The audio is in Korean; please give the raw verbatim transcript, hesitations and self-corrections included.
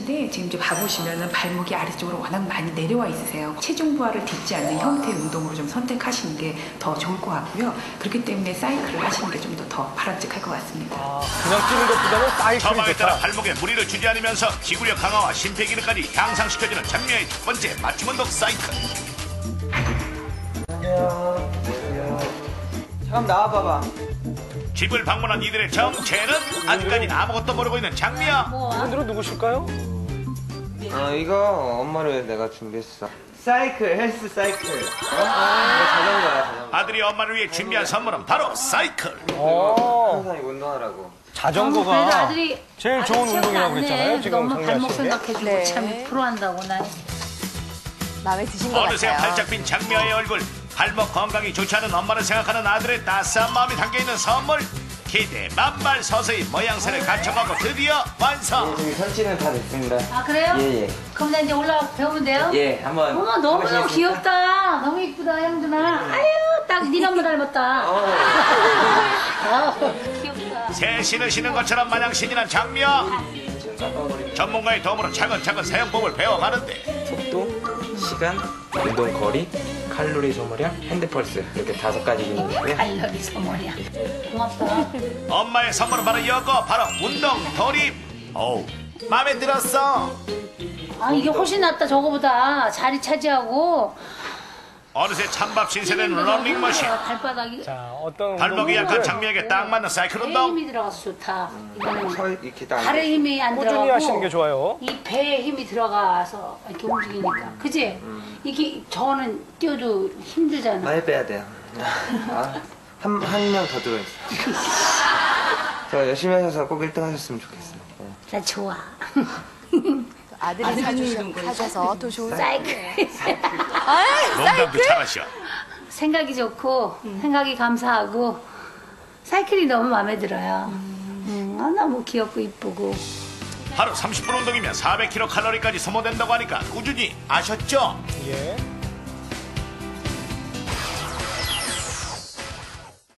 하시는데 지금 이제 봐보시면은 발목이 아래쪽으로 워낙 많이 내려와 있으세요. 체중 부하를 딛지 않는 형태의 운동으로 좀 선택하시는 게 더 좋을 것 같고요. 그렇기 때문에 사이클을 하시는 게 좀 더 더 바람직할 것 같습니다. 아, 그냥 뛰는 것보다는 사이클이 처방에 따라 좋다. 발목에 무리를 주지 않으면서 기구력 강화와 심폐기능까지 향상시켜주는 장미아의 첫 번째 맞춤 운동 사이클. 잠깐 나와봐봐. 집을 방문한 이들의 정체는 아직까지 아무것도 모르고 있는 장미아. 오늘은 누구실까요? 어 이거 엄마를 내가 준비했어. 사이클, 헬스 사이클. 어? 이거 자전거야, 자전거. 아들이 엄마를 위해 준비한 선물은 바로 사이클. 어, 항상 이거 운동하라고. 그래도 자전거가 아들이 제일 좋은 아들 운동이라고 안 해. 그랬잖아요. 지금 너무 발목 장미아 씨. 생각해주고 네. 참 프로한다고 나. 마음에 드신 것 어느새 같아요. 활짝 핀 장미아의 얼굴. 발목 건강이 좋지 않은 엄마를 생각하는 아들의 따스한 마음이 담겨있는 선물. 기대 만발 서서히 모양새를 갖춰가고 드디어 완성. 저기 설치는 다 됐습니다. 아 그래요? 예, 예. 그럼 나 이제 올라가 배우면 돼요? 예, 한번. 어머 너무너무 해보시겠습니까? 귀엽다. 너무 이쁘다 형준아. 아유 딱 네 엄마 닮았다. 어. 아우 귀엽다. 새 신으시는 것처럼 마냥 신이 난 장미아. 전문가의 도움으로 차근차근 사용법을 배워가는데 속도, 시간, 운동 거리, 칼로리 소모량, 핸드 펄스 이렇게 다섯 가지 기능이고요. 알력이 소머리야. 고맙다. 엄마의 선물은 바로 이거 바로 운동 돌입. 어우 마음에 들었어. 아 이게 훨씬 낫다 저거보다 자리 차지하고. 어느새 찬밥 신세된 러닝머신. 발바닥이 자, 어떤 발목이 약한 운동을 장미에게 딱 맞는 사이클 배에 운동. 힘이 들어가서 좋다. 이거는 서 이렇게 딱. 발에 힘이 안 꾸준히 들어가고 하시는 게 좋아요. 이 배에 힘이 들어가서 이렇게 움직이니까 그지? 이게 저는 뛰어도 힘들잖아. 많이 빼야 돼요. 아, 한, 한 명 더 들어있어. 저 열심히 하셔서 꼭 일 등 하셨으면 좋겠어요. 네. 나 좋아. 아들이 사주셔, 사셔서 더 좋은 사이클. 농담도 잘하셔. 생각이 좋고 생각이 감사하고 사이클이 너무 마음에 들어요. 음, 아, 너무 귀엽고 이쁘고. 하루 삼십 분 운동이면 사백 킬로칼로리까지 소모된다고 하니까 꾸준히 아셨죠? 예.